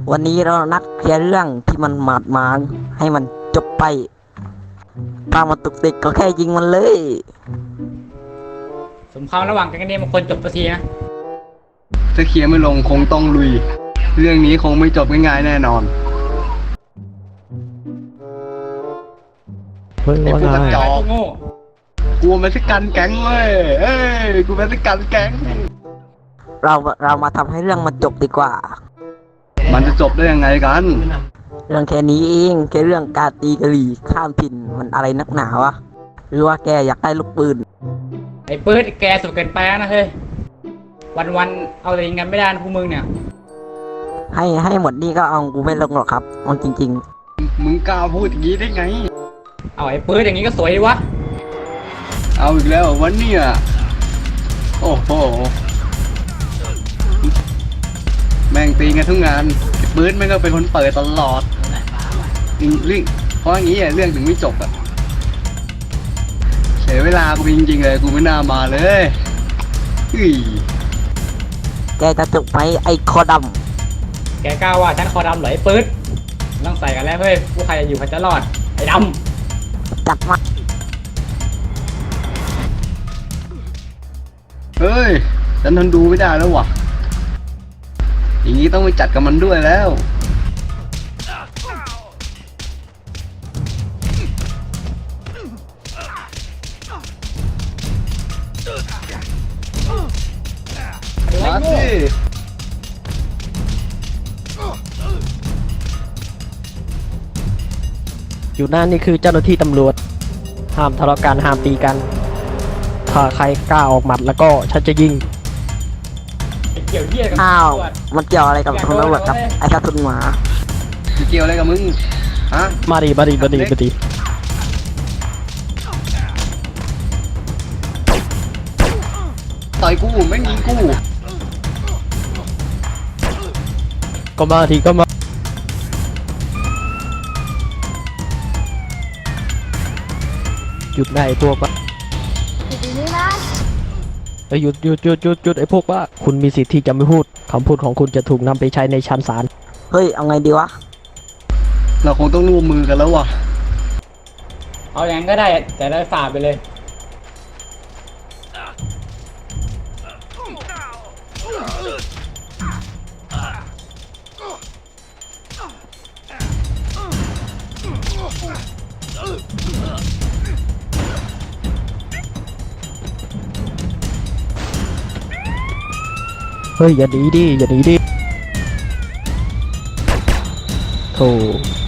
วันนี้เรานัดเคลียร์เรื่องที่มันหมาดหมางให้มันจบไปถ้ามันตุกติกก็แค่ยิงมันเลยสงครามระหว่างกันนี่มันควรจบสักทีนะถ้าเคลียร์ไม่ลงคงต้องลุย เรื่องนี้คงไม่จบง่ายๆแน่นอนเฮ้ยไอ้ว่าพวกกระไงจอกโง่กูเม็กซิกันแก๊งเว้ยเอ้ยกูเม็กซิกันแก๊งเรามาทำให้เรื่องมันจบดีกว่ามันจะจบได้ยังไงกันเรื่องแค่นี้เองแค่เรื่องการตีกะหรี่ข้ามถิ่นมันอะไรนักหนาวะหรือว่าแกอยากได้ลูกปืนไอ้ปื๊ดแกสุดเกินไปนะเฮ้ยวันเอาแต่ยิงกันไม่ได้นะพวกมึงเนี่ยให้หมดนี่ก็เอากูไม่ลงหรอกครับมันจริงมึงกล้าพูดอย่างนี้ได้ไงเอาไอ้ปื๊ดอย่างนี้ก็สวยดีวะเอาอีกแล้ววันนี้โอ้โหแม่งตีกันทุกงานปืนแม่งก็เป็นคนเปิดตลอดเรื่องเพราะอย่างนี้เรื่องถึงไม่จบเสียเวลากูจริงๆเลยกูไม่น่ามาเลยอุ้ยๆ แกจะจบไหมไอ้คอดแกกล้าว่าฉันคอดำเหรอไอ้ปื๊ดต้องใส่กันแล้วเฮ้ยผู้ใครจะอยู่ใครจะรอดไอ้ดำจัดมาเฮ้ยฉันทนดูไม่ได้แล้วว่ะอย่างนี้ต้องไปจัดกับมันด้วยแล้วำมาสิอยู่หน้านี่คือเจ้าหน้าที่ตำรวจ ห้ามทะเลาะกันห้ามตีกัน ถ้าใครกล้าออกหมัดแล้วก็ฉันจะยิงไอ้เกี่ยวเหี้ยกับอ้าวตำรจมันเกี่ยวอะไรกับคุณตำรวจครับไอ้ทัศนหมาเกี่ยวอะไรกับมึงฮะมาดิมาดิมาดิมาดิต่อยกูแม่งยิงกูก็มาทีก็มาหยุดได้ไอ้พวกวะเอ้ยหยุดไอ้พวกว่าคุณมีสิทธิ์ที่จะไม่พูดคำพูดของคุณจะถูกนำไปใช้ในชั้นศาลเฮ้ยเอาไงดีวะเราคงต้องร่วมมือกันแล้วว่ะเอาอย่างนั้นก็ได้แต่ได้ฝ่าไปเลยเฮ้ยอย่าหนีดิอย่าหนีดิโธ่